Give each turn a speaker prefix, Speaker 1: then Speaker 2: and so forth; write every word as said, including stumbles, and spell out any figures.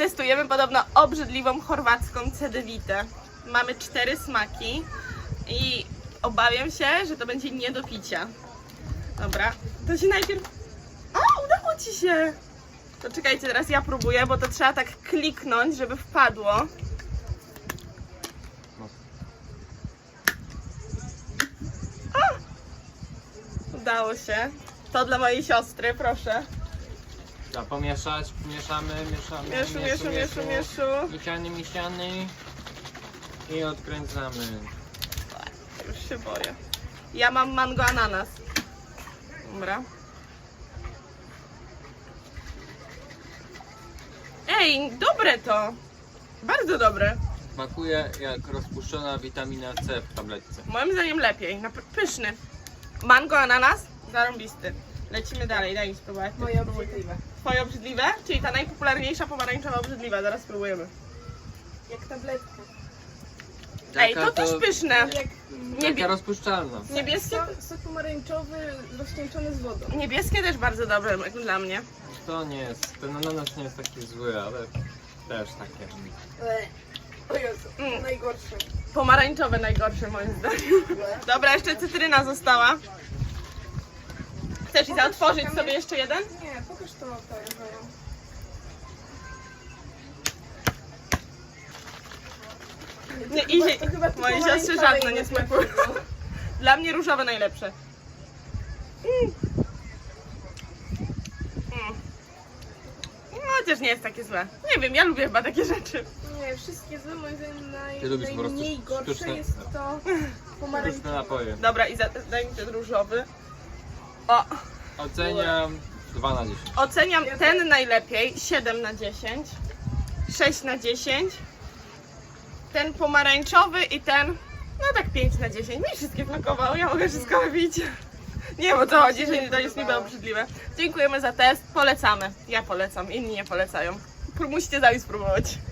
Speaker 1: Testujemy podobno obrzydliwą chorwacką cedewitę. Mamy cztery smaki i obawiam się, że to będzie nie do picia. Dobra, to się najpierw... O, udało ci się! To czekajcie, teraz ja próbuję, bo to trzeba tak kliknąć, żeby wpadło. O! Udało się. To dla mojej siostry, proszę.
Speaker 2: Trzeba pomieszać, mieszamy, mieszamy.
Speaker 1: Mieszu, mieszu, mieszu, mieszu.
Speaker 2: Misiany, misiany. I odkręcamy.
Speaker 1: Już się boję. Ja mam mango ananas. Dobra. Ej, dobre to. Bardzo dobre.
Speaker 2: Smakuje jak rozpuszczona witamina C w tabletce.
Speaker 1: Moim zdaniem lepiej. Nap- Pyszny. Mango ananas? Zarąbisty. Lecimy dalej, daj mi spróbować.
Speaker 3: Moje obrzydliwe.
Speaker 1: Twoje obrzydliwe? Czyli ta najpopularniejsza pomarańczowa obrzydliwa. Zaraz spróbujemy.
Speaker 3: Jak tabletka.
Speaker 1: Ej, to też pyszne.
Speaker 3: Jak
Speaker 1: Niebie-
Speaker 2: Taka rozpuszczalna.
Speaker 1: Niebieskie,
Speaker 3: sok, sok pomarańczowy rozcieńczony z wodą.
Speaker 1: niebieskie też bardzo dobre jak dla mnie.
Speaker 2: To nie jest, ten ananas nie jest taki zły, ale też takie.
Speaker 3: O Jezu,
Speaker 1: Mm.
Speaker 3: najgorsze.
Speaker 1: Pomarańczowe najgorsze moim zdaniem. Dobra, jeszcze cytryna została. Chcesz Iza otworzyć sobie jeszcze jeden?
Speaker 3: Nie, pokaż to to Ewero.
Speaker 1: Nie,
Speaker 3: chyba-
Speaker 1: Izie,
Speaker 3: to chyba tu
Speaker 1: mojej siostrze
Speaker 3: pomarańczowe
Speaker 1: żadne
Speaker 3: i
Speaker 1: nie
Speaker 3: nie
Speaker 1: smakują. Dla mnie różowe najlepsze. Mm. Mm. No, chociaż nie jest takie złe. Nie wiem, ja lubię chyba takie rzeczy.
Speaker 3: Nie, wszystkie złe, moim zdaniem naj,
Speaker 2: Ty lubisz po prostu
Speaker 3: najmniej gorsze
Speaker 2: sztuczne-
Speaker 3: jest to pomarańczowe.
Speaker 2: Różne napoje.
Speaker 1: Dobra, Iza, daj mi ten różowy. O,
Speaker 2: Oceniam dwa na dziesięć.
Speaker 1: oceniam ten najlepiej. siedem na dziesięć. sześć na dziesięć. Ten pomarańczowy i ten, no tak pięć na dziesięć. Mi wszystkie smakowały, ja mogę wszystko wypić. Nie wiem o co chodzi, że to jest niby obrzydliwe. Dziękujemy za test, polecamy. Ja polecam, inni nie polecają. Musicie sami spróbować.